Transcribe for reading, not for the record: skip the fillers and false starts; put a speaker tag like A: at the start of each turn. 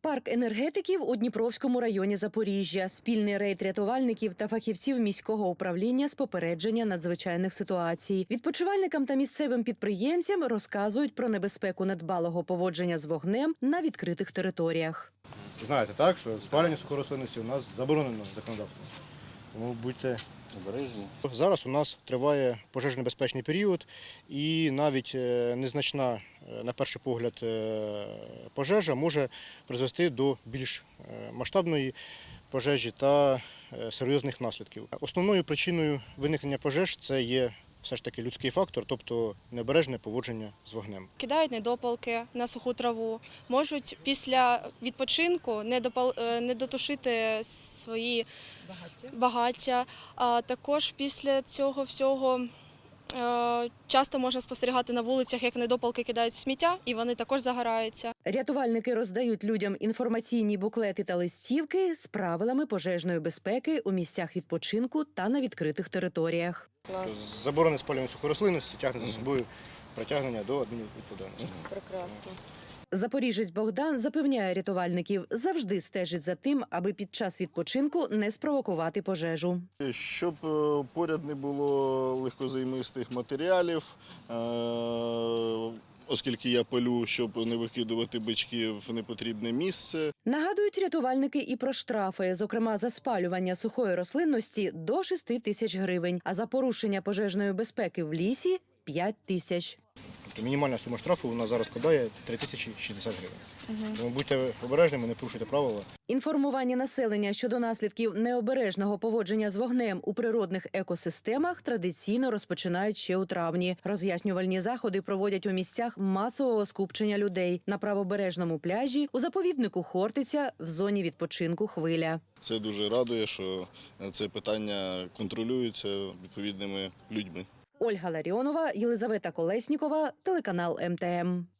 A: Парк енергетиків у Дніпровському районі Запоріжжя. Спільний рейд рятувальників та фахівців міського управління з попередження надзвичайних ситуацій. Відпочивальникам та місцевим підприємцям розказують про небезпеку недбалого поводження з вогнем на відкритих територіях.
B: Знаєте, так, що спалення сухорослинності у нас заборонено законодавством. Тому будьте обережні. Зараз у нас триває пожежонебезпечний період і навіть незначна, на перший погляд, пожежа може призвести до більш масштабної пожежі та серйозних наслідків. Основною причиною виникнення пожеж це є все ж таки людський фактор, тобто необережне поводження з вогнем.
C: Кидають недопалки на суху траву, можуть після відпочинку не дотушити свої багаття. А також після цього всього часто можна спостерігати на вулицях, як недопалки кидають в сміття, і вони також загораються.
A: Рятувальники роздають людям інформаційні буклети та листівки з правилами пожежної безпеки у місцях відпочинку та на відкритих територіях.
B: Заборона спалювання сухорослинності тягне за собою притягнення до адмінвідповідальності.
C: Прекрасно.
A: Запоріжець Богдан запевняє рятувальників, завжди стежить за тим, аби під час відпочинку не спровокувати пожежу.
D: Щоб поряд не було легкозаймистих матеріалів, оскільки я палю, щоб не викидувати бички в непотрібне місце.
A: Нагадують рятувальники і про штрафи, зокрема за спалювання сухої рослинності до 6 тисяч гривень, а за порушення пожежної безпеки в лісі – 5 тисяч.
B: Тобто мінімальна сума штрафу у нас зараз складає 3060 гривень. Тому будьте обережними, не порушуйте правила.
A: Інформування населення щодо наслідків необережного поводження з вогнем у природних екосистемах традиційно розпочинають ще у травні. Роз'яснювальні заходи проводять у місцях масового скупчення людей – на правобережному пляжі, у заповіднику Хортиця, в зоні відпочинку Хвиля.
D: Це дуже радує, що це питання контролюється відповідними людьми.
A: Ольга Ларіонова, Єлизавета Колеснікова, телеканал МТМ.